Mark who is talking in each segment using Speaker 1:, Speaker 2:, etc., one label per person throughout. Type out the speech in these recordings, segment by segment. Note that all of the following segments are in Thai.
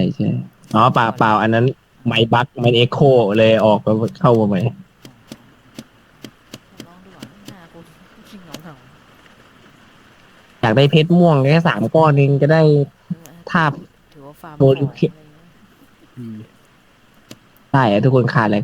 Speaker 1: ใช่อ๋อเปล่าเปล่าอันนั้นไมค์บักไมค์เอ็กโคเลยออกแล้วเข้ามาใหม่
Speaker 2: ลองดูก่อน5 คนชิงเหงา
Speaker 1: อยากได้เพชรม่วงแค่3 ก้อนเองจะได้ทาบ
Speaker 2: ถือว่าฟาร์ม
Speaker 1: โม
Speaker 2: ของ
Speaker 1: ลิเค
Speaker 2: อะไรเงี้ย
Speaker 3: อืม
Speaker 1: ได้อะทุกคนขาดอะไร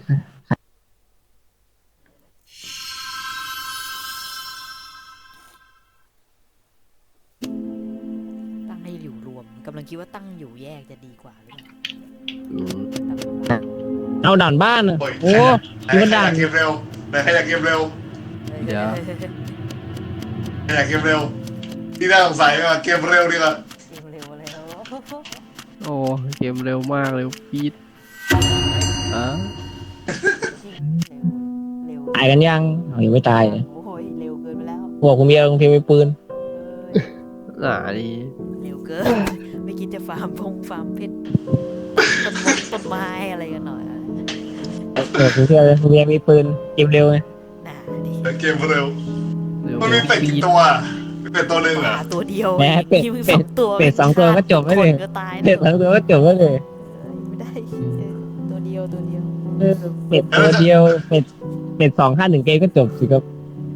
Speaker 2: ตั้งให้อยู่รวมกำลังคิดว่าตั้งอยู่แยกจะดีกว่าหรือเปล่า
Speaker 3: อืม
Speaker 1: เอาด่านบ้านอ่ะ
Speaker 4: โอ้ย
Speaker 1: โอ้ยมันด่าน
Speaker 4: ใครอยากเกมเร็วใครอยากเกมเร็ว
Speaker 3: เดี๋ยว
Speaker 4: ใครอยากเกมเร็วที่น่าสงสัยว่าเกมเร็วดีกว่า
Speaker 2: เกมเร็วแล้ว
Speaker 3: โอ้เกมเร็วมากเลยพีทอ่ะ
Speaker 2: จริงเร็ว
Speaker 1: ตายกันยังเอายังไม่ตายเลย
Speaker 2: โอ้ยเร็วเกินไปแล้ว
Speaker 1: พวกคุณเบียร์คุณเพียงมีปืน
Speaker 3: หนานี่
Speaker 2: เร็วเกินไม่คิดจะฟาร์มเพชรต้นไม้อะไรกันหน่อย
Speaker 1: คุณเพียงมีปืนเกมเร็วไง
Speaker 2: น่าดิ
Speaker 4: เกมเร็ว
Speaker 3: เร็ว
Speaker 4: มันมีเป็ด
Speaker 3: พี
Speaker 4: กี่
Speaker 3: ท
Speaker 4: ตัวมีเป็ดตัวหนึ่ง
Speaker 2: ห
Speaker 4: อ่ะ
Speaker 2: มาตัวเดียว
Speaker 1: แหม่เป็ด
Speaker 2: มีมึง
Speaker 1: เป็ด
Speaker 2: 2 ตัว
Speaker 1: เป็ด2 ตัวก็จบไม่เลย
Speaker 2: คนก็ตาย
Speaker 1: เป็
Speaker 2: แล้
Speaker 1: ด
Speaker 2: ว
Speaker 1: 2 ตัวก็จบแล้วเลย
Speaker 2: ไม่ได้ตัวเดียว
Speaker 1: เออเป็ดตัวเดียวเป็ด2 5 1 เกมก็จบสิครับ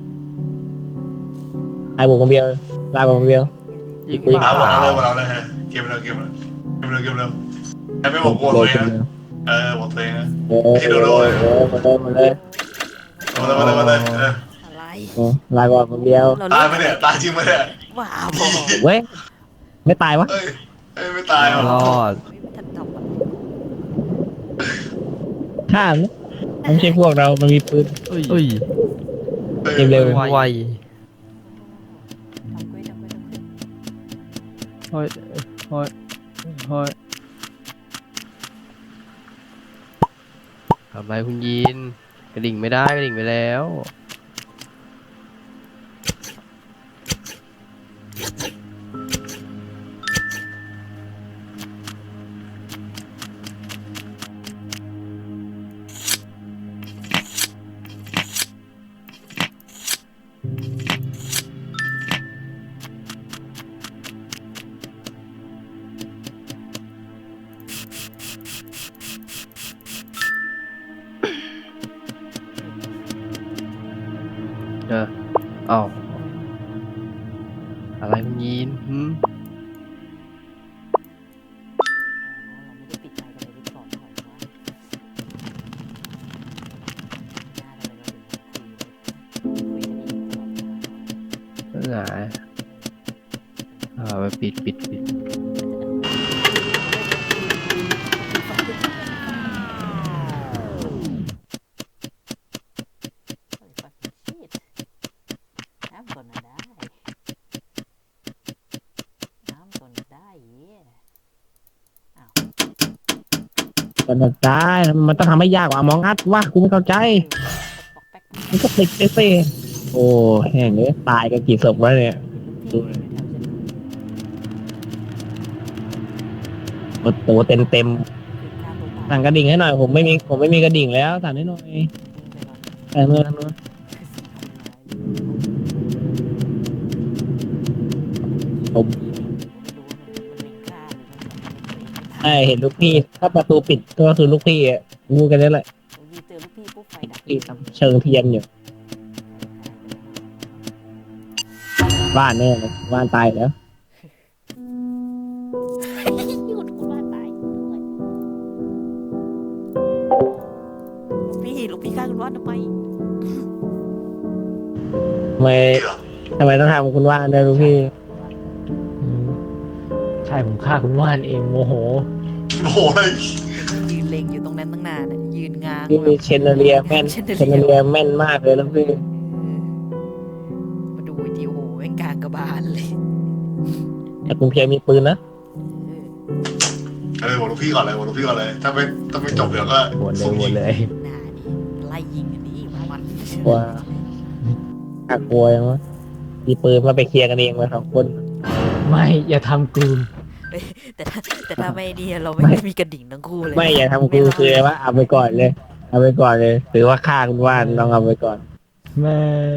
Speaker 1: ไอ้บุกคนเดียวลาบุกคนเดียว
Speaker 3: ยิง
Speaker 4: เอา
Speaker 3: เปล่า
Speaker 4: เราเลยฮะเกมเร็วใครไม่บอกตัวเองนะบอกตัวเองนะ ไม่ใช่โดโด้เลย
Speaker 1: มาเลย
Speaker 4: มาเลย
Speaker 2: อะไร
Speaker 1: ลาก่อนคนเดียว
Speaker 2: เรา
Speaker 4: ตาย
Speaker 2: เล่น
Speaker 4: ไหมเนี่ยตายจริงไหมเนี่ย
Speaker 2: ว้าบอ
Speaker 1: เว้ยไม่ตายวะ
Speaker 4: เอ้ยไม่ตายหรอ
Speaker 3: รอด
Speaker 2: ไม่ทันทำอะไร
Speaker 1: ข้ามนะไม่ใช่พวกเรามันมีปืน
Speaker 3: เอ้ย
Speaker 1: เกมเร็ว
Speaker 3: ไว
Speaker 2: ทำเว้ย
Speaker 3: ห้อยห้อยห้อยทำไรคุณยินกระดิ่งไม่ได้กระดิ่งไปแล้วเออเอ้าอะไรคุณยินหืม
Speaker 2: เราไม่ได้ปิดไมค์กันเลยดิสคอร์ดหน่อยวะน่าเลยเราถึงคุยกันเองตลอดเวลา
Speaker 3: หนาไปปิด
Speaker 2: น้ำก่อนนะได้อ้าว
Speaker 1: มันได้มันต้องทำให้ยากกว่า Among Us ว่ากูไม่เข้าใจ
Speaker 2: ปอกแป๊ก
Speaker 1: มันก็ติดไปสิโอ้แห้งเลยตายกันกี่ศพวะเนี่ย
Speaker 2: พี่อยู่แถวฉัน
Speaker 1: โอ้โหเต็ม
Speaker 2: คือฆ่าตัวตาย
Speaker 1: สั่งกระดิ่งให้หน่อยผมไม่มีกระดิ่งแล้วสั่งให้หน่อย
Speaker 2: วิ่งไปก่อน
Speaker 1: แต่เมื่อทางนู้น
Speaker 2: คือสิ่งคนร้าย
Speaker 1: ผม
Speaker 2: ไม่รู้ว่ามันเล็งฆ่าหรือมันทำอะไรตัวเองไม่ทัน
Speaker 1: ใช่เห็นลูกพี่ถ้าประตูปิดก็คือลูกพี่อ่ะรู้กันได้แหละ
Speaker 2: ยีเจอลูกพี่ปุ๊บไฟดับ
Speaker 1: พี่ทำเชิงเทียนอยู่บ้านเนี่ยบ้านตายแล้ว
Speaker 2: หยุดคุณว่าตายด้วยลูกพี่ฆ่าคุณว่าทำไม
Speaker 1: ทำไมทำไมต้องทำคุณว่าเนี่ยลูกพี่
Speaker 5: ใช่ผมฆ่าคุณว่านเองโมโห
Speaker 4: โอ้ย
Speaker 2: ยืนเล็งอยู่ตรงนั้นตั้งนานน่ะยืนง้าง
Speaker 1: นี่
Speaker 2: แบบ
Speaker 1: เชนเรียแม่นเชนเรียแม่นมากเลยลูกพี่
Speaker 2: มาดูวิดีโอแม่งกลางกระบาลเลย
Speaker 1: แต่คุณเพียรมีปืนนะ
Speaker 4: บอกลูกพี่ก่อนเลยถ้าไม่จบเดี๋ยวก็
Speaker 5: วนเลย
Speaker 2: หน้านี่ไล่ยิงอันนี้มัน
Speaker 1: กลัวน่ากลัวยังวะมีปืนมาไปเคลียร์กันเองมา2 คน
Speaker 5: ไม่อย่าทำกู
Speaker 2: แต่ถ้าไม่ดีเราไม่มีกระดิ่งทั้งคู่เลย
Speaker 1: ไม่อย่าทำกูคือว่าเอาไปก่อนเลย เอาไปก่อนเลยถือว่าฆ่าคุณว่านลองเอาไปก่อน
Speaker 5: ไม่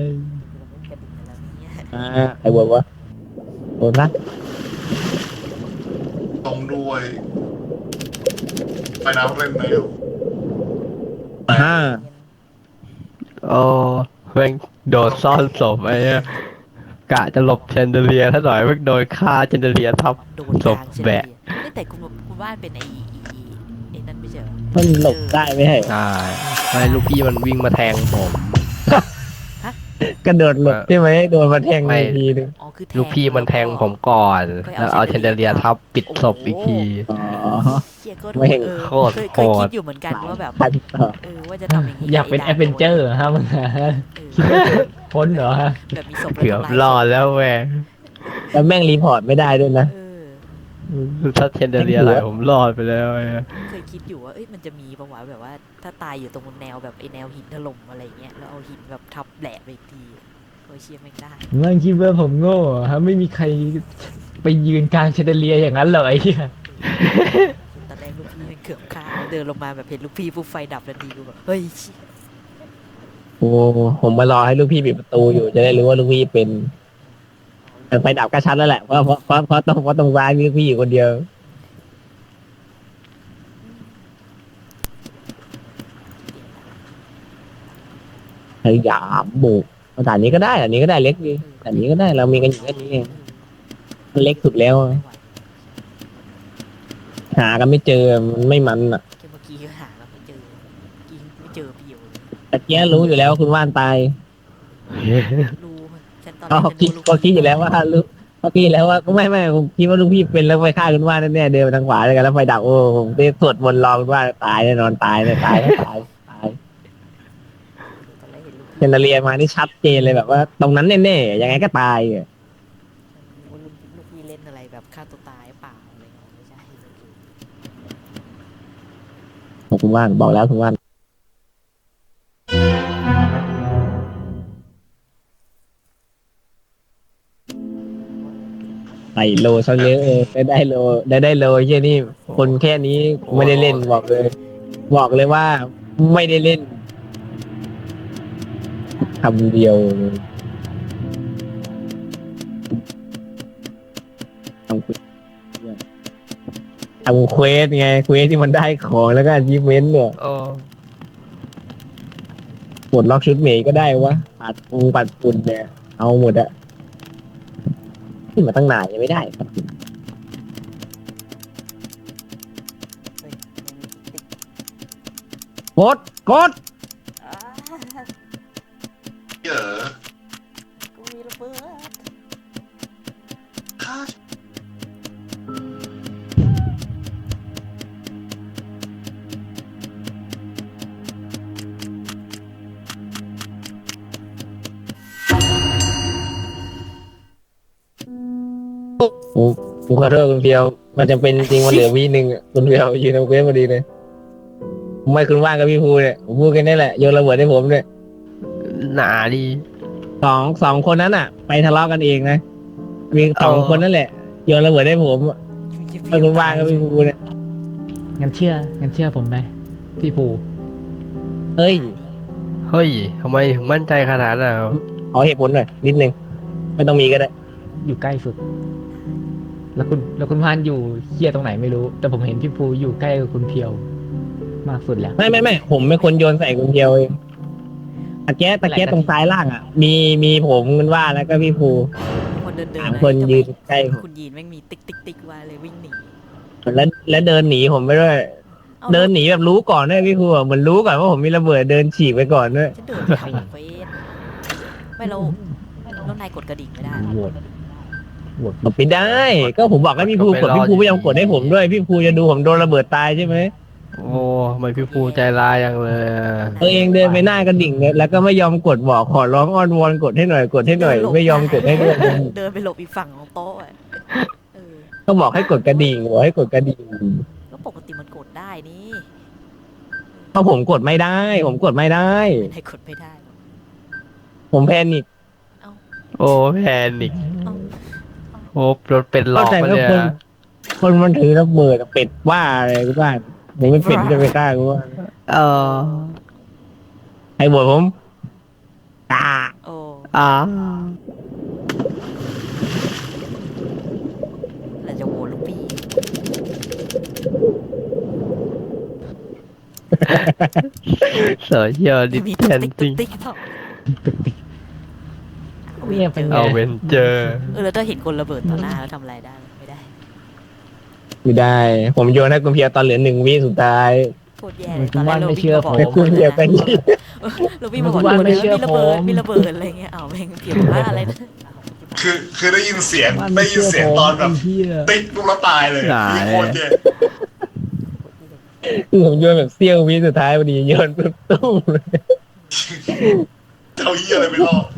Speaker 1: ใครบอกว่าโดนละ
Speaker 4: ตรงด้วยไปน้ำเล่นแนว
Speaker 1: ห้า
Speaker 3: โอ้แม่งโดดซ่อนศพไอ้เนี่ยกะจะหลบแชนเดอเลียร์ถ้าหน่อยแม่งโดนฆ่าแชนเดอเลียร์ทับ
Speaker 2: โดน
Speaker 3: ศ
Speaker 2: ก
Speaker 3: พ
Speaker 2: ลางเฉย
Speaker 3: แบะ
Speaker 2: แต่คุณว่านเป็นไอ้นั่นไม่ใช่เหรอ
Speaker 1: มันหลบได้ไหมให้
Speaker 3: ใช่ไม่ลูกพี่มันวิ่งมาแทงผม
Speaker 1: กระโดดหลบใช่ไหมโดนมาแทง
Speaker 3: ไม่
Speaker 1: อีกทีนึง
Speaker 2: อ๋อคือแทง
Speaker 3: ลูกพี่มันแทงผมก่อน แล้วเอาแชนเดอเลียร์ทับปิดศพอีกที
Speaker 1: อ๋อ
Speaker 2: เชี่ยก็
Speaker 1: ไม่เห็น
Speaker 3: โคตร
Speaker 2: เคย
Speaker 3: โหด
Speaker 2: คิดอยู่เหมือนกันว่าแบบ
Speaker 1: พันต่อ
Speaker 2: ว่าจะทำอย่างนี้
Speaker 5: อยากเป็นแอดเวนเจอร์ฮะมึงคิดว่าจะพ้นเหรอฮะ
Speaker 2: แบบมีศพ
Speaker 3: เกือบรอดแล้วแม่ง
Speaker 1: แล้วแม่งรีพอร์ตไม่ได้ด้วยนะ
Speaker 3: ถ้าเชนเดอเลียร์อะไรผมรอดไปแล้วไอ้
Speaker 2: เคยคิดอยู่ว่ามันจะมีประวัติแบบว่าถ้าตายอยู่ตรงแนวแบบไอ้แนวหินถล่มอะไรเงี้ยแล้วเอาหินแบบทับแหลกไปอีกทีโอ้ยเชี่ยไม่งได้
Speaker 5: มึงคิดว่าผมโง่เหรอฮะไม่มีใครไปยืนกลางเชนเดอเลียอย่างนั้นเลย
Speaker 2: ตอนแรกลูกพี่มันเกือบฆ่าเดินลงมาแบบเห็นลูกพี่ปุ๊บไฟดับทันทีกูแบบเฮ้ยเชี่ย
Speaker 1: โอ้ผมมารอให้ลูกพี่ปิดประตูอยู่จะได้รู้ว่าลูกพี่เป็นแต่ไฟดับก็ชัดแล้วแหละเพราะตรงร้านมีลูกพี่อยู่คนเดียวพยายามบุกด่านนี้ก็ได้ด่านนี้ก็ได้เล็กดีด่านนี้ก็ได้เรามีกันอยู่แค่นี้เองมันเล็กสุดแล้ว
Speaker 2: ไม่ไหว
Speaker 1: หากันไม่เจอมันไม่มันอ่ะ
Speaker 2: แค่เมื่อกี้ก็หาแล้วไม่เจอกินไม่เจอพี่อยู่เลย
Speaker 1: แต่เกี้ยรู้อยู่แล้วคุณว่านตาย
Speaker 2: รู้ฉันตอนแร
Speaker 1: ก็
Speaker 2: กฉัน
Speaker 1: คิด
Speaker 2: รู้
Speaker 1: ก็คิดอยู่แล้วว่าลูกก็คิดอยู่แล้วว่าไม่ผมคิดว่าลูกพี่เป็นแล้วไปฆ่าคุณว่านแน่ๆเดินไปทางขวาเลยกันแล้วไฟดับโอ้ผมไปสวดมนต์รอคุณว่านตายแน่นอนตายเลยตาย
Speaker 2: ตอนแรกเห็นลูก
Speaker 1: เจนเรียมานี่ชัดเจนเลยแบบว่า ตรงนั้นแน่ๆยังไงก็ตายอะ
Speaker 2: ว่าลูกพี่เล่นอะไรแบบฆ่าตัวตายเปล่าอะไรเงี้ยไม่ใช่
Speaker 1: คุณว่านบอกแล้วคุณว่านใส่โลซะเยอะได้โลได้โลเช่ยนี่คนแค่นี้ไม่ได้เล่นบอกเลย บอกเลยว่าไม่ได้เล่นคำเดียวทำเควสไงเควสที่มันได้ของแล้วก็อาชีพเมนต์เนี่ย
Speaker 3: โอ้
Speaker 1: ปลดล็อกชุดเมย์ก็ได้วะปัดฝุ่นเนี่ยเอาหมดอะที่มาตั้งนานยังไม่ได้ครับกด
Speaker 4: เยอะ
Speaker 2: กูมีระเบิด
Speaker 4: ฆ่า
Speaker 1: ผมขอโทษคุณเพียวมันจะเป็นจริงมันเหลือวีหนึ่งอะคุณเพียวยืนเอาเควสพอดีเลยไม่คุณว่างกับพี่ภูเนี่ยผมพูดกันนี่แหละโยนระเบิดให้ผมเนี่ย
Speaker 3: หนาดี
Speaker 1: สองคนนั้นอ่ะ ไปทะเลาะกันเองนะมีสองคนนั่นแหละโยนระเบิดให้ผมไม่คุณว่างกับพี่ภูเนี่ย
Speaker 5: งั้นเชื่อผมไหมพี่ภู
Speaker 1: เฮ้ย
Speaker 3: เฮ้ยทำไมถึงมั่นใจขนาดนั้นอะ
Speaker 1: ขอเหตุผลหน่อยนิดนึงไม่ต้องมีก็ได้
Speaker 5: อยู่ใกล้สุด แล้วคุณพานอยู่เคียตรงไหนไม่รู้ แต่ผมเห็นพี่ภูอยู่ใกล้กับคุณเพียว มากสุดแล้ว
Speaker 1: ไม่ผมเป็นคนโยนใส่คุณเพียวเองตะแก๊สตรงซ้ายล่างอ่ะ มีผมคุณว่าแล้วก็พี่ภู
Speaker 2: คนเดิน
Speaker 1: สามคนยืนใกล้ผม
Speaker 2: คุณยีนแม่งมีติ๊กว่าเลยวิ่งหนี
Speaker 1: แล้วเดินหนีผมไปด้วย
Speaker 2: อา
Speaker 1: เดินหนีแบบรู้ก่อนด้วยพี่ภูอะเหมือนรู้ก่อนว่าผมมีระเบิดเดินฉีกไปก่อนด้วย
Speaker 2: ฉันเดินไปทำเฟสไม่เรานายกดกระดิ่งไม่ได้
Speaker 5: โหวต
Speaker 1: กดไม่ได้ ก็ผมบอกให้พี่ภูกดพี่ภูไม่ยอมกดให้ผมด้วยพี่ภูจะดูผมโดนระเบิดตายใช่ไหม
Speaker 3: โอ้ทำไมพี่ภูใจร้ายอย่างเลยอะ
Speaker 1: ตัวเองเดินไปหน้ากระดิ่งเนี่ยแล้วก็ไม่ยอมกดบอกขอร้องอ้อนวอนกดให้หน่อยไม่ยอมกดให้ด้วย
Speaker 2: เดินไปหลบอีกฝั่งของโต๊ะอะเออ
Speaker 1: ก็บอกให้กดกระดิ่งบอกให้กดกระดิ่ง
Speaker 2: ก็ปกติมันกดได้นี่
Speaker 1: เพราะผมกดไม่ได้ ผมกดไม่ได้
Speaker 2: นายกดไม่ได้หรอก
Speaker 1: ผมแพนิค
Speaker 3: โอ้แพนิก
Speaker 2: เอ้า
Speaker 3: โอ้รถเป็นหลอก
Speaker 1: เข้าใจ
Speaker 3: มา
Speaker 1: ว่า
Speaker 3: เนี่ย
Speaker 1: คนมันถือระเบิดอะเป็ดว่าอะไรกูบ้านไหนไม่เป็ดจะไปกล้ากูว่า
Speaker 3: เออ
Speaker 1: ใครบ่นผมตา
Speaker 2: โอ้
Speaker 3: อ่า
Speaker 2: แล้วจะโหวตลูกพี่
Speaker 3: โซเชียลดิ
Speaker 2: มี
Speaker 3: ส
Speaker 2: ตุ๊
Speaker 3: แท
Speaker 2: ก
Speaker 3: น
Speaker 2: ติ๊ก
Speaker 3: ซิ่ง
Speaker 2: ติ๊กเท่า
Speaker 5: เนี่ยเป็นไง
Speaker 3: เอาเวนเจอร์
Speaker 2: แล้วถ้าเห็นคนระเบิดต่อหน้าแล้วทำอะไรได้ไม่ได้
Speaker 1: ไม่ได้ ผมโยนให้คุณเพียวตอนเหลือ1 วิสุดท้าย
Speaker 2: โคตรแย่เลยตอนแรกเราวิ่งมาบอก
Speaker 1: แต่คุณเพียวเป็น
Speaker 2: เราวิ่งมาบอกโดนเลยมีระเบิดมีระเบิดอะไรเงี้ยเอาแม่งเพียวว่าอะไรนะ
Speaker 4: คือได้ยินเสียง
Speaker 5: มัน
Speaker 4: ได้
Speaker 5: ไม่
Speaker 4: ยิน
Speaker 5: เชื่อ
Speaker 4: เสียง
Speaker 5: ผม
Speaker 4: ตอนแบบ
Speaker 5: ไอ้เหี้ย
Speaker 4: ติ๊กลูกแล้วตายเลยพี่โคตรเจ๊
Speaker 1: คือผมโยนแบบเสี้ยววิสุดท้ายพอดีโยนปุ๊บตุ้มเลย
Speaker 4: เจ้าเหี้ยอะไรไม่รอด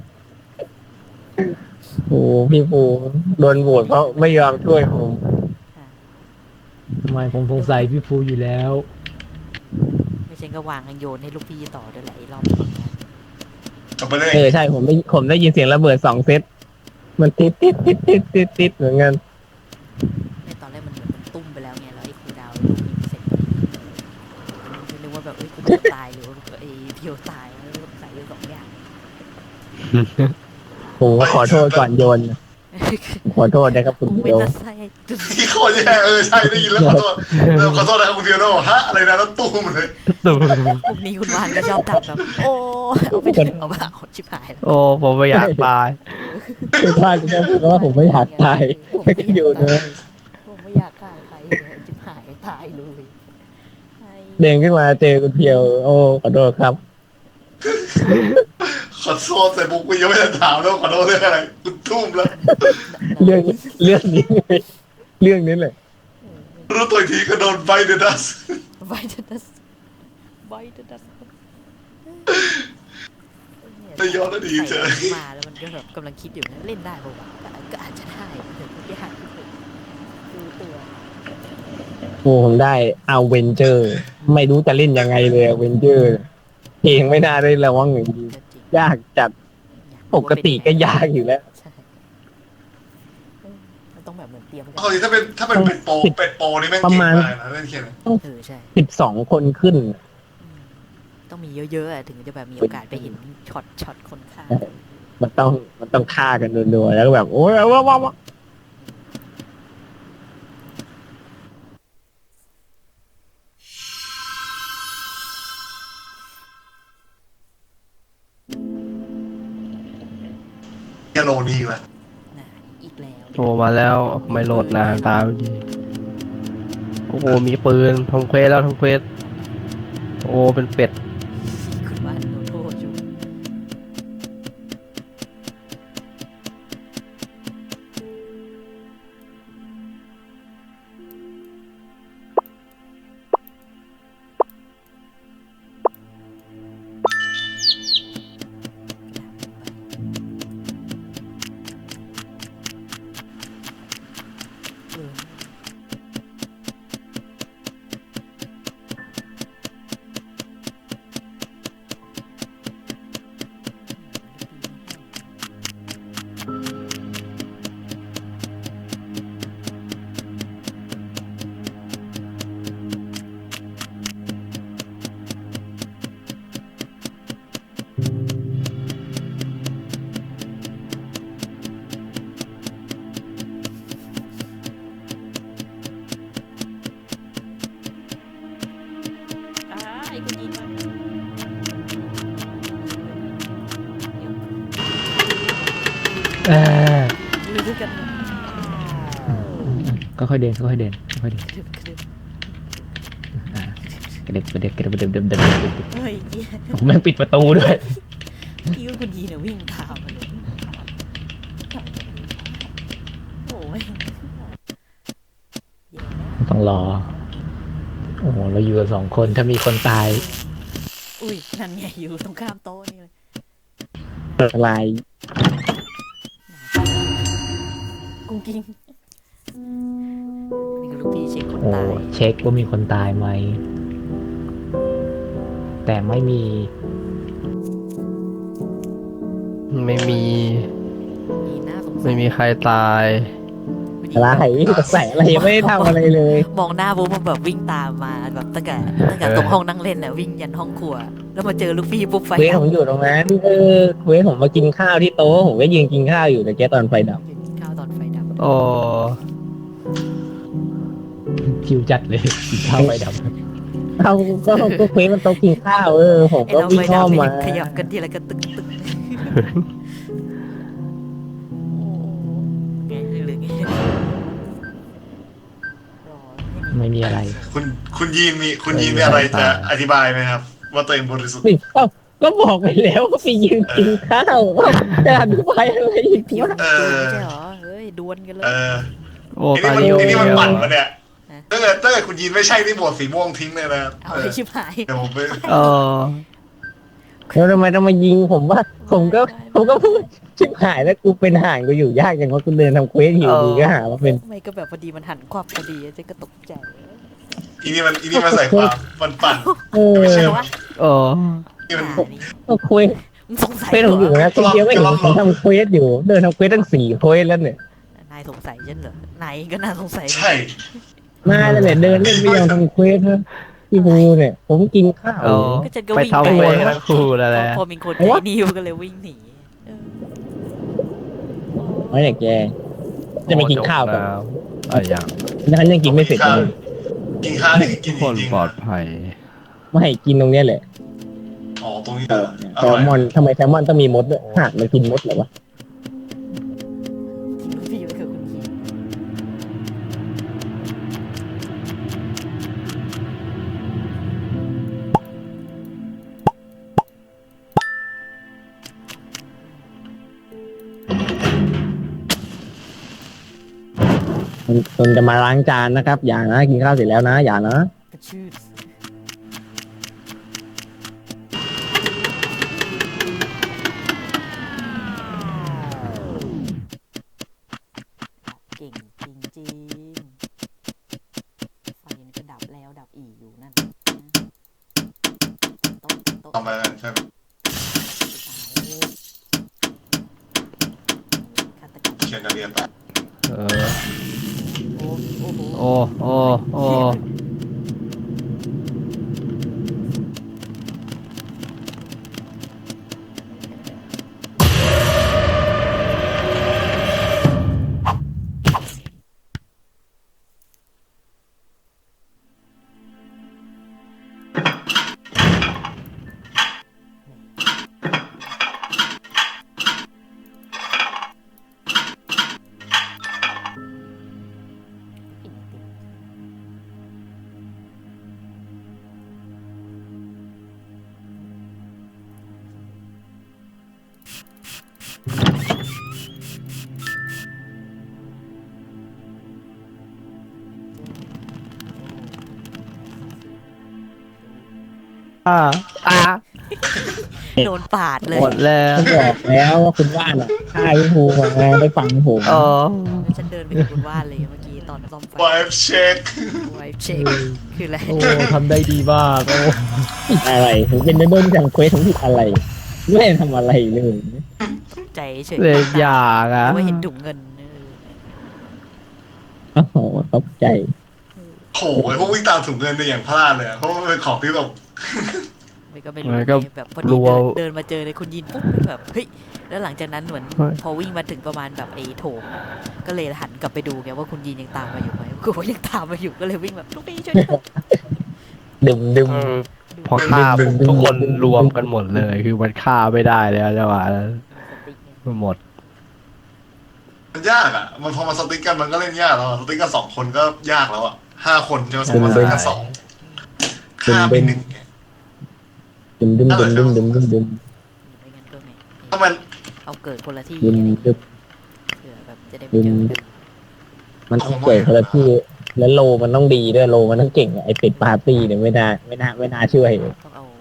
Speaker 1: โอ้พี่ปูโดนโหวตเพราะไม่ยอมช่วยผม
Speaker 5: ทำไมผมสงสัยพี่ภูอยู่แล้ว
Speaker 2: ไม่ใช่ก็วางกันโยนให้ลูกพี่ต่อด้วยหลายรอบ
Speaker 4: กลับไปเลย
Speaker 1: ใช่ผมได้ยินเสียงระเบิด2 เซตมันติดเหมือนกัน
Speaker 2: ในตอนแรกมันเหมือนมันตุ้มไปแล้วไงแล้วไอ้ครูดาวลูกยิงเสร็จไม่รู้ว่าแบบเอ้ยกูตายหรือว่าไอ้เพียวตายแล้วใส่เลย2 อย่าง
Speaker 1: ผมก็ขอโทษก่อนโยนขอโทษนะครับคุณ
Speaker 2: กูไม่
Speaker 1: เพียว
Speaker 2: น่าใส่
Speaker 4: พี่โคตรแย่ใช่ได้ยินแล้วขอโทษขอโทษนะครับคุณเพียวโน่ฮะอะไรนะแล้วตู้มเลย
Speaker 3: ตูม
Speaker 2: พวกนี้คุณวานก็ชอบทำแบบโอ้เอาไปถึงเอาบ้าเอาชิบหายแล้ว
Speaker 3: โอ้ผมไม่อยากตาย
Speaker 1: คือพลาดก็แค่พูดว่าผมไม่อยากตายแค่โยนเลย
Speaker 2: ผมไม่อยากฆ่าใครเลยชิบหายตายเลยไอ้
Speaker 1: เด้งขึ้นมาเจอคุณเพียว โอ้ขอโทษครับ
Speaker 4: ขอโทษใส่บุกกูยังไม่ได้ถามแล้วขอโทษเรื่องอะไรกูทุ่มแล้ว
Speaker 1: เรื่องนี้ไงเรื่องนี้แหละ
Speaker 4: รู้ตัวอีกทีก็โดนไบเดนัส
Speaker 2: ไวเดนัสไวเดนัส
Speaker 4: แต่ย้อนอดีตเจอ
Speaker 2: มาแล้วมันก็แบบกำลังคิดอยู่นะเล่นได้ป่าวะก็อาจจะได้แต่ก็ยากดูตัว
Speaker 1: โอ้ผมได้เอาเวนเจอร์ ไม่รู้จะเล่นยังไงเลยเวนเจอร์เพลงไม่น่าได้ระวังอย่างดี
Speaker 2: ก็จริง
Speaker 1: ยากจัดปกติก็ยากอยู่แล้ว
Speaker 2: ใช่มันต้องแบบเหมือนเตรียมกัน
Speaker 4: เอาจริงถ้าเป็นเป็ดโปนี่แม่ง
Speaker 1: ประ
Speaker 4: เก่ง
Speaker 1: มาณ
Speaker 4: มากนะเล่นเขียน
Speaker 2: ใช่
Speaker 1: 12 คนขึ้น
Speaker 2: ต้องมีเยอะๆอะถึงจะแบบมีโอกาสไปเห็นช็อตคนฆ่า
Speaker 1: มันต้องฆ่ากันรัวๆแล้วก็แบบ โอ้ยว้าว
Speaker 4: แค่โลนี่แหละ
Speaker 2: นะอีกแล้ว
Speaker 3: โอ้มาแล้วไม่โหลดนานตามดีโอ้โหมีปืนทำเควสแล้วทำเควสโอ้เป็นเป็ด
Speaker 2: คุณว่าโดนโทษอยู่เออ ไอ้คนยิงมัน
Speaker 5: เออ
Speaker 2: อยู่ด้วยกัน
Speaker 5: ก็ค่อยเดินค่อยเดินค่อยเดิน
Speaker 2: กระดึบกระดึบ
Speaker 5: กระเด็บกระเด็บกระเด็บกระเด็บกระเด็บ
Speaker 2: เฮ้ยเหี้ย
Speaker 5: ผมแม่งปิดประตูด้วย
Speaker 2: พี่ว่าคุณยีเนี่ยวิ่งตามมาเลยโอ้ยแย่นะ
Speaker 5: ต้องรอ โอ้โหเราอยู่กัน2 คนถ้ามีคนตาย
Speaker 2: อุ้ยนั่นไงอยู่ตรงข้ามโต๊ะนี่เลย
Speaker 1: อะไร
Speaker 2: กุ้งกิ้งนี่คือลูกพี่เช็คคน
Speaker 5: โอ้
Speaker 2: ตาย
Speaker 5: เช็คว่ามีคนตายไหม แต่ไม่มี
Speaker 3: ไม่มี
Speaker 2: มีหน้าสงสัย
Speaker 3: ไม่มีใครตาย
Speaker 1: อะไรใส่อะไรยังไม่ได้ทำอะไรเลย
Speaker 2: มองหน้าปุ๊บมันแบบวิ่งตามมาแบบตั้งแต่ตรงห้องนั่งเล่นน่ะวิ่งยันห้องครัว แล้วมาเจอลูกพี่ปุ๊บไฟ
Speaker 1: เควส
Speaker 2: ดับ
Speaker 1: ผมอยู่ตรงนั้นเควสผมมากินข้าวที่โต๊ะผมก็ยืนกินข้าวอยู่แต่แกตอนไฟดับ
Speaker 2: ข้าวตอนไฟดับ
Speaker 3: โอ้
Speaker 5: ชิวจัดเลยกินข้าวไปดับ
Speaker 1: เอาก็เควสมันโต๊ะกินข้าวผม
Speaker 2: ไอ
Speaker 1: ก็
Speaker 2: เรา
Speaker 1: วิ่
Speaker 2: ไป
Speaker 1: งอ้อมมา
Speaker 2: ขยับกันทีละกันตึกตึกไงหรือไงรอให้มี
Speaker 5: ไม่มีอะไร
Speaker 4: คุณยีนมีอะไรจะอธิบายไหมครับ ว่าตัวเองบริสุทธิ์
Speaker 1: ก็บอกไปแล้วก็ไปยืนกินข้าวจะอธิบายอะไรอีก
Speaker 2: ผิว
Speaker 1: วะ
Speaker 2: ปืนไม่ใช่เหรอเฮ้ยดวลกันเลย
Speaker 3: โอ้
Speaker 4: ไอ้
Speaker 3: ตา
Speaker 4: นี่
Speaker 3: ย
Speaker 4: มันไอ้นี่มัน
Speaker 3: เดียว
Speaker 4: ปั่นมาเนี่ยถ้าเกิดคุณยีนไม่ใช่ที่บวชสีม่วงทิ้งเลยนะ
Speaker 2: เอาไปชิบหาย
Speaker 4: เดี๋ยวผมไป
Speaker 3: เออ
Speaker 1: แล้วทำไมต้องมายิงผมว่าผมก็พูดชิบหายแล้วกูเป็นห่านกูอยู่ยากอย่างว่ากูเดินทำเควสอยู่ดีก็หาว่าเป็น
Speaker 2: ไม่ก็แบบพอดีมันหันความพอดีเจ๊ก็ตกใจ
Speaker 4: อีนี่มันใส่ความมันปั่น ไม่ใช่
Speaker 2: แต่
Speaker 4: หรอ
Speaker 2: ว่า
Speaker 3: เออ
Speaker 4: นี่มัน
Speaker 1: ก็เควส
Speaker 2: มึงสงสัย
Speaker 1: เควสผมอยู่นะคนเดียวไม่เห็นผมทำเควสอยู่เดินทำเควสตั้ง4 เควสแล้วเนี่ย
Speaker 2: นายสงสัยฉันเหรอนายก็น่าสงสัย
Speaker 4: ใช่
Speaker 1: มาแล้วเนี่ยเดินเล่นไม่ยอมทำเควสนะพี่ภูเนี่ย ผมกินข้าว
Speaker 3: เออ
Speaker 2: ก็ฉันก็
Speaker 3: ไป
Speaker 2: วิ่ง
Speaker 3: ทำ
Speaker 2: ไป
Speaker 3: เวรทั้งคู่แล้วแหละ
Speaker 2: พอมีคนใจดีมันก็เลยวิ่งหนี
Speaker 1: ไม่เนี่ยแกจะไปกินข้าวกัน
Speaker 3: อะไรอย่าง
Speaker 1: ฉันยังกินไม่เสร็จเลย
Speaker 4: กินข้าวนี่คือกิน
Speaker 3: คน
Speaker 4: จริง
Speaker 3: ปลอดภัย
Speaker 1: ไม่ให้กินตรงเนี้ยแหละ
Speaker 4: อ๋อตรงนี้
Speaker 1: แซ
Speaker 4: อร่
Speaker 1: ล
Speaker 4: อย
Speaker 1: มอนทำไมแซลมอนต้องมีมดด้วยหากมันกินมดเหรอวะ
Speaker 2: ทิ้งพี่ไว้กับคุณคิด
Speaker 1: คนจะมาล้างจานนะครับ อย่านะกินข้าวเสร็จแล้วนะ อย่านะ
Speaker 2: กระชืดเก่งจริงๆไฟนี่ก็ดับแล้วดับอีกอยู่นั่นโต๊ะโต๊ะ
Speaker 4: ทำไปใช่ไหม
Speaker 2: ฆาตกรรม
Speaker 4: เชียร์กันเรียนไป
Speaker 3: เออ
Speaker 2: โอ้โอ้โห
Speaker 3: โอ้โอ้โอ้อ่า
Speaker 2: โดนปาดเลย
Speaker 3: หมดแล้ว
Speaker 1: ผมบอกแล้วว่าคุณว่านอ่ะฆ่าพี่ภูมาไปฟังผม
Speaker 3: เออ
Speaker 2: แล้วฉันเดินไปกับคุณว่านเลยเมื่อกี้ตอนซ่อมไฟ
Speaker 4: ไวฟ์เช็ค
Speaker 2: ไวฟ์เช็คคืออะไร
Speaker 5: โอ้ทำได้ดีมากโอ้
Speaker 1: อะไรผมเป็นโดนทำเควสผมผิดอะไร ไม่ได้ทำอะไรเลย
Speaker 2: ใจเฉย
Speaker 3: เลยอยากอ่ะ
Speaker 2: ว่าเห็นถุงเงิน
Speaker 1: โอ้โหตกใจ
Speaker 4: โอ้ยพวกวิ่งตามถุงเงินเนี่ยอย่างพลาดเลยอะเพราะมันเป็นของที่แบบ
Speaker 2: ไม่ก็ไม่รู้ไงแบบพอดีเดินมาเจอเลยคุณยินปุ๊บแบบเฮ้ยแล้วหลังจากนั้นเหมือนพอวิ่งมาถึงประมาณแบบไอ้โถงอะก็เลยหันกลับไปดูไงว่าคุณยินยังตามมาอยู่ไหมกูว่ายังตามมาอยู่ก็เลยวิ่งแบบลูกพี่ช่วยด้วย
Speaker 1: ดึมดึม
Speaker 3: เออพอฆ่าปุ๊บทุกคนรวมกันหมดเลย คือมันฆ่าไม่ได้แล้วจังหวะนั้น
Speaker 2: สติ๊กไง
Speaker 3: มันหมด
Speaker 4: มันยากอ่ะ มันพอมาสติ๊กกันมันก็เล่นยากแล้วอะสติ๊กกัน2 คนก็ยากแล้วอ่ะ5 คนจะมาสติ๊กกัน2ฆ่าไป1ไง
Speaker 1: ดึมดึมดึมดึมดึมดึมดึม
Speaker 2: ไม่งั้นก็ไม่
Speaker 4: ถ้ามัน
Speaker 2: เอาเกิดคนละที่
Speaker 1: ดึมดึม
Speaker 2: เผื่อแบบจะได้ไม่เจอกัน
Speaker 1: มันต้องเกิดคนละที่แล้วโลมันต้องดีด้วยโลมันต้องเก่งอะไอเป็ดปาร์ตี้เนี่ยไม่น่าช่วย
Speaker 2: ต้องเอา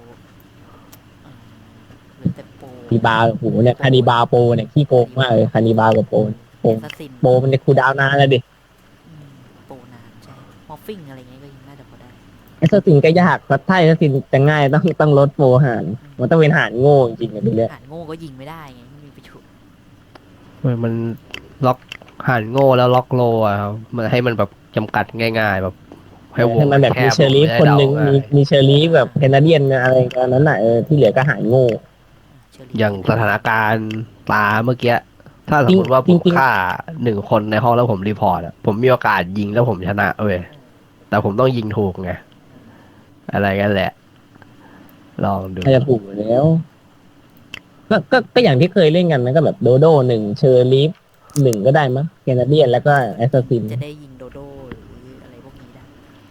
Speaker 2: หรือแต่โปร
Speaker 1: คานิบาโอ้โหเนี่ยคานิบาโปเนี่ยขี้โกงมากเลยคานิบากับโปโป
Speaker 2: แอสซัสซิน
Speaker 1: โปมันจะคูลดาวน์นานแล้วดิ
Speaker 2: โปรนานใช่มอฟฟิ้งอะไรเงี้ยก็ยังน่าจะพอได้
Speaker 1: ไอสตินก็ยากพัดไทยสตินจะง่ายต้องลดโปรหารมันต้องเป็นหารโง่จริงๆอะดูเลย
Speaker 2: อ่านโง่ก็ยิงไม่ได้ไงไม่มีประโยชน์
Speaker 3: มันล็อกหันโง่แล้วล็อกโลอ่ะครับมันให้มันแบบจำกัดง่าย ๆ แบบให้วง
Speaker 1: ให้มันแบบ
Speaker 3: แค
Speaker 1: มี
Speaker 3: บ
Speaker 1: เชอรี่
Speaker 3: ลง
Speaker 1: คนหนึ่ง
Speaker 3: ให้เดาง่าย
Speaker 1: มีเชอรี่แบบแคนาเดียนอะไรกันนั้นน่ะที่เหลือก็หารโง่
Speaker 2: เชอรี่
Speaker 3: อย่างสถานการณ์ตาเมื่อกี้ ถ้าสมมติว่าผ
Speaker 1: จริ
Speaker 3: ม
Speaker 1: งๆ
Speaker 3: ฆ่า1 คนในห้องแล้วผมรีพอร์ตอะผมมีโอกาสยิงแล้วผมชนะเว้ยแต่ผมต้องยิงถูกไงอะไรกันแหละ ลองดู
Speaker 1: น่าจะถูกอยู่แล้วก็อย่างที่เคยเล่นกันนะก็แบบโดโดหนึ่งเชอร์ลีฟหนึ่งก็ได้มั้งแคนาเดียนแล้วก็แอสซัสซิน
Speaker 2: จะได้ยิงโดโดหรืออะไรพวกนี้ได้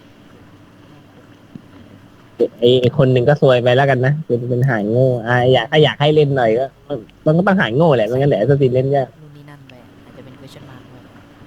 Speaker 1: ไอ้คนหนึ่งก็ซวยไปแล้วกันนะเป็นหายโง่อยากให้เล่นหน่อยก็มันก็ต้องหายโง่แหละไม่งั้นแหละแอสซัสซินเล่นยาก
Speaker 2: นู่นนี่นั่นไปอาจจะเป็น question mark ด้วย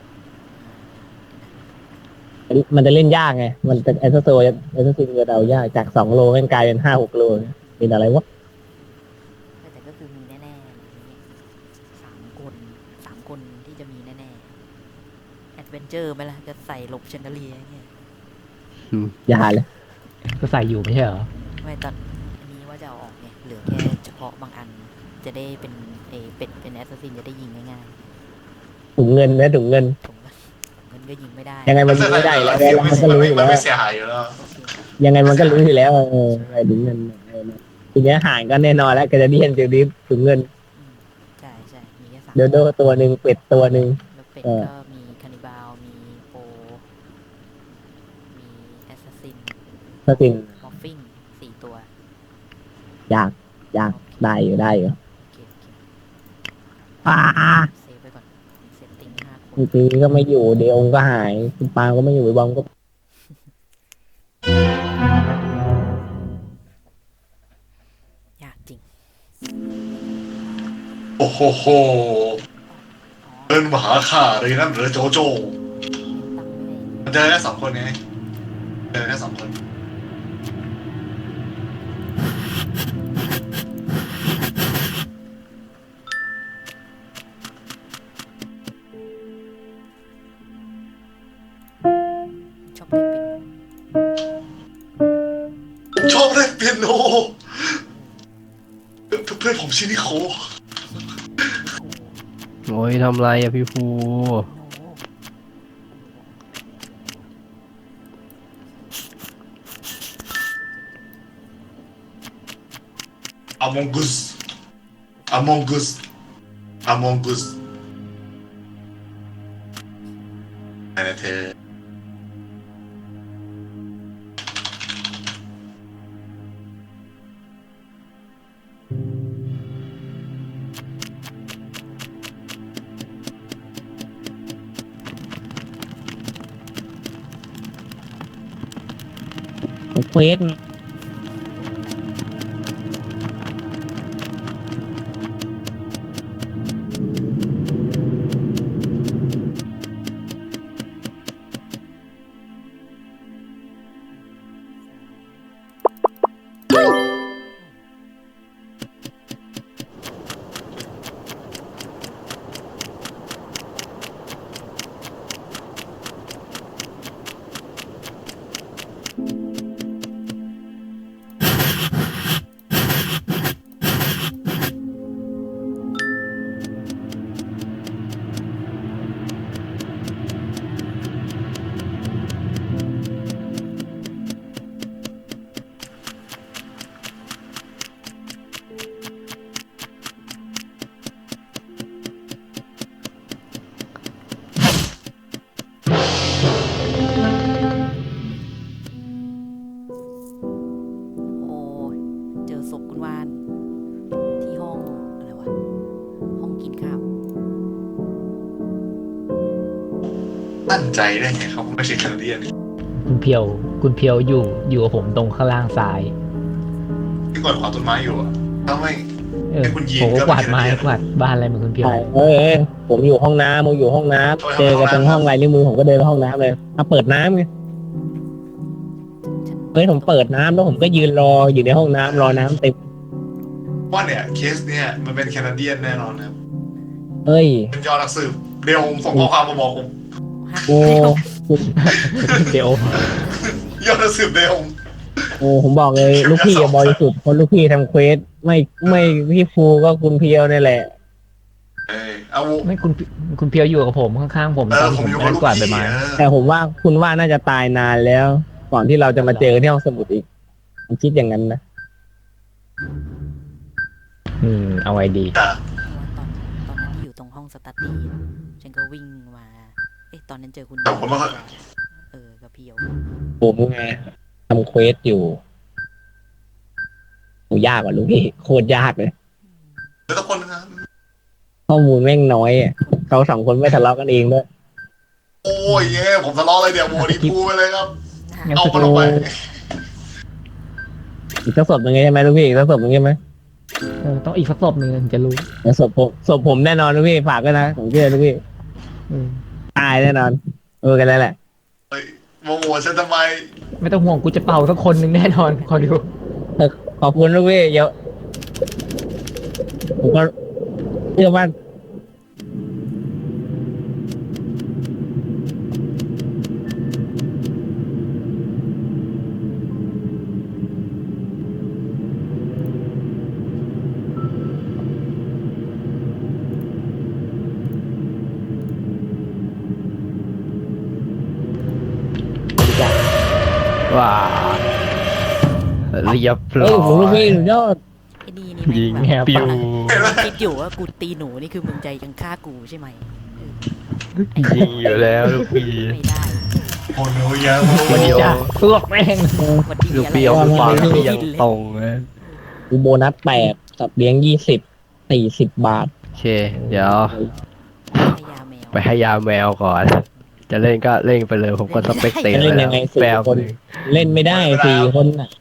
Speaker 1: มันจะเล่นยากไงมันจะแอสซัสซินจะเดายากจาก2 โลมันกลายเป็น5-6 โลเป็นอะไรวะ
Speaker 2: แต่ก็คือมีแน่ๆสามคนที่จะมีแน่ๆแอดเวนเจอร์ไหมล่ะจะใส่หลบเชนเดอเลียเงี้ย
Speaker 1: อย่าเลย
Speaker 5: ก็ใส่อยู่ไม่ใช่เหรอ
Speaker 2: ไม่ตอนอันนี้ว่าจะเอาออกไงเหลือแค่เฉพาะบางอันจะได้เป็นเป็นแอสซัสซินจะได้ยิงง่าย
Speaker 1: ถุงเงินนะถุงเงิน
Speaker 2: ๆผมเงินก็ยิงไม่ได้
Speaker 1: ยังไงมันยิงไม่ได้แล้วมันก็รู้อยู่
Speaker 4: มัน
Speaker 1: แล้ว
Speaker 4: ไม่เสียหายอยู่แล้ว
Speaker 1: ยังไงมันก็รู้อยู่แล้วไอ้ถุงเงินทีเนี้ยห่างก็แน่นอนแล้วแคนาเดียนจะรีบถุงเงิน
Speaker 2: ใช่มีแค่3
Speaker 1: โดโดตัวหนึ่งเป็ดตัวหนึ่ง
Speaker 2: แล้วเป็ดก็มีคานิบาลมีโปมีแอสซัสซิน
Speaker 1: ก็จริง
Speaker 2: มอฟฟิง4 ตัว
Speaker 1: อยากได้อยู่
Speaker 2: โอเค
Speaker 1: ป้า
Speaker 2: เซฟไปก่อนเซตติ้ง5 คน
Speaker 1: ปีก็ไม่อยู่เดี๋ยวองค์ก็หายคุณปาก็ไม่อยู่ไอ้บอมก็
Speaker 2: ยากจริง
Speaker 4: โอ้โหโหเดินมาหาข้าเลยนั่นเหรอโจโจ
Speaker 2: ตั้งไม่ได้
Speaker 4: มันเจอแค่2 คนไงเจอแค่2 คน
Speaker 2: ชอบเล่นปิ่น
Speaker 4: ชอบเล่นเปียโนเพื่อนผมชื่อนิโค
Speaker 3: โอ้ยทำไรอะพี่ภู
Speaker 4: Among Us Among Us Among Us อะไรนะเธอ
Speaker 1: เควส
Speaker 2: โอ้ยเจอศพคุณวานที่ห้องอะไรวะห้องกินข้าว
Speaker 4: ตั้งใจได้ไงเขาไม่ใช่แคนาเดียน
Speaker 5: คุณเพียวอยู่กับผมตรงข้างล่างซ้าย
Speaker 4: ที่กดขวาต้นไม้อยู่อะถ้าไม่ ให้คุณยีน
Speaker 5: ผมก็
Speaker 4: ก็
Speaker 5: กวาด
Speaker 4: ไม่
Speaker 5: ไม้
Speaker 4: ได้
Speaker 5: กวาดบ้านอะไรเหมือนคุณเพียว
Speaker 1: ใช่ผมอยู่ห้องน้ำเจอกันตรงห้องไรนิ้วมือผมก็เดินไปห้องน้ำเลยมาเปิดน้ำไงผมเปิดน้ำแล้วผมก็ยืนรออยู่ในห้องน้ำรอน้ำเต็ม
Speaker 4: ว่าเนี่ยเคสเนี่ยมันเป็นแคนาเดียนแน่นอนนะครับ
Speaker 1: เฮ้ย
Speaker 4: เป็นยอดนักสืบเดี๋ยวผมส่งข้อความมาบอกผม
Speaker 1: โอ้
Speaker 5: เดี๋ยว
Speaker 4: ยอดนักสืบเดี๋ยว
Speaker 1: โอ้ผมบอกเลยลูกพี่บริสุทธิ์คนลูกพี่ทำเควสไม่พี่ฟูก็คุณเพียวนี่แหละ
Speaker 4: เอา
Speaker 5: ไม่คุณเพียวอยู่กับผมข้างๆผมตอน
Speaker 4: ผ
Speaker 5: ผม ม
Speaker 4: อยู่กับ
Speaker 5: นั่ง
Speaker 4: ลูก
Speaker 5: กวาดใบ
Speaker 4: พี่
Speaker 5: ไม้
Speaker 1: แต่ผมว่าคุณว่าน่าจะตายนานแล้ว ก่อนที่เราจะมาเจอที่ห้องสมุดอีกผมคิดอย่างนั้นนะ
Speaker 5: เอาไว้ดี
Speaker 4: แต่
Speaker 2: ตอนนั้นที่อยู่ตรงห้องสตัดดี้ฉันก็วิ่งมาตอนนั้นเจอคุณ
Speaker 4: แต่ผมว่า
Speaker 2: กับเพียว
Speaker 1: ผมไงทำเควสอยู่โหยากกว่าลูกพี่โคตรยากเลย
Speaker 4: เดี๋ยวทุกคนนะครับ
Speaker 1: ข้อมูลแม่งน้อยอ่ะเขาสองคนไม่ทะเลาะกันเองด้วย
Speaker 4: โอ้ยเย้ผมทะเลาะเลยเดี๋ยวโมดีพูไปเลยครับ
Speaker 5: งั้น
Speaker 4: เอา
Speaker 5: ส
Speaker 4: มันออกไป
Speaker 1: อีกสักศพหนึ่งใช่ไหมลูกพี่อีกสักศพหนึ่งใช่ไหม
Speaker 5: ต้องอีกสักศพหนึ่งถึงจะรู้
Speaker 1: แล้วศพผมแน่นอนลูกพี่ฝากด้วยนะผมเชื่อลูกพี่
Speaker 5: อืม
Speaker 1: ตายแน่นอนกันแล้วแหละ
Speaker 4: เฮ้ยโมโหฉันทำไม
Speaker 5: ไม่ต้องห่วงกูจะเป่าสักคนหนึ่งแน่นอนคอยดู
Speaker 1: ขอบคุณลูกพี่เดี๋ยวผมก็เชื่อว่า
Speaker 3: ว้าเรียบ
Speaker 1: เฮ้
Speaker 3: ร้
Speaker 1: ย
Speaker 3: อ
Speaker 1: ผมลูกพี่
Speaker 3: ย
Speaker 1: สุดยอด
Speaker 2: ไอ้นี่
Speaker 3: ยิ
Speaker 2: นี่
Speaker 3: ง
Speaker 2: แม่งแบบ
Speaker 3: ปิว
Speaker 2: คิดอยู่ว่ากูตีหนูนี่คือมึงใจยังฆ่ากูใช่ไหมเออ
Speaker 3: ยิงอยู่แล้วลูกพี่
Speaker 2: ไม่ได้
Speaker 4: โอ้โหเยอะโมโห
Speaker 3: วันนี้
Speaker 5: จ้ะพวกแม่ง
Speaker 2: วันที่
Speaker 3: ลูก
Speaker 2: อะไร
Speaker 3: พี่เอา
Speaker 2: วะ
Speaker 3: ความ
Speaker 2: ไม่
Speaker 3: ที่
Speaker 2: ได้
Speaker 3: ยัง
Speaker 2: ยินเลย
Speaker 3: ตรงเลย
Speaker 1: กูโบนัส8สับเลี้ยง40 บาท
Speaker 3: โอเค เดี๋ยว
Speaker 2: ให้ยาแมว
Speaker 3: ไปให้ยาแมวก่อน จะเล่นก็เล่นไปเลย ผมก็สเปกเตอร์
Speaker 1: เล่น
Speaker 3: แล้
Speaker 1: ยั
Speaker 3: ว
Speaker 1: งไงสี่
Speaker 3: แปล
Speaker 1: คน เล่นไม่ได้4 คนน่ะ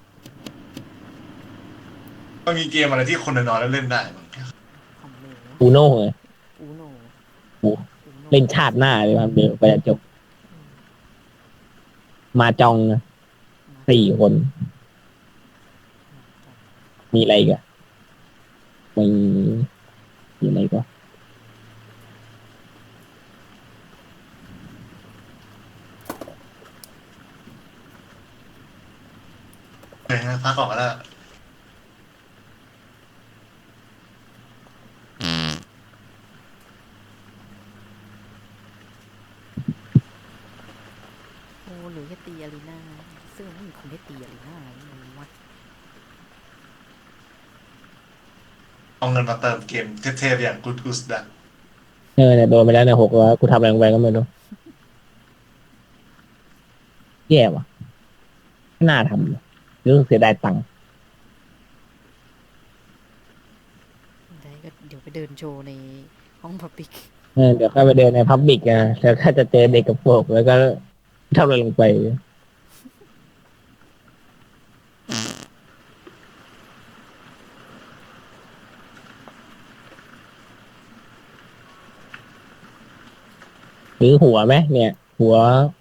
Speaker 4: มันมีเกมอะไรที่คนน้อยๆแล้วเล่นได้บ้าง
Speaker 2: ของหนู
Speaker 1: อูโน่เลย
Speaker 2: อูโน
Speaker 1: โอ้เล่นชาติหน้าเลยครับเดี๋ยวไปจบมาจองนะ4 คน มีอะไรอีกันมีอะไรก็
Speaker 4: เฮ้ยพักก่อนก็ได้
Speaker 2: โอ้หรือแค่ตีอารีนาซึ่งมันไม่มีคนให้ตีอารีนามันวัด
Speaker 4: เอาเงินมาเติมเกมเทพๆอย่าง Good Goose Duck
Speaker 1: เนี่ยโดนไปแล้วเนี่ย600กูทำอะไรลงไปก็ไม่รู้แย่ว่ะไม่น่าทำเลยรู้สึกเสียดายตังค์
Speaker 2: ได้ก็เดี๋ยวไปเดินโชว์ในห้องพับบิก
Speaker 1: เดี๋ยวก็ไปเดินในพับบิกนะแล้วก็จะเจอเด็กกับพวกแล้วก็ทำอะไรลงไปหรือหัวไหมเนี่ย หัว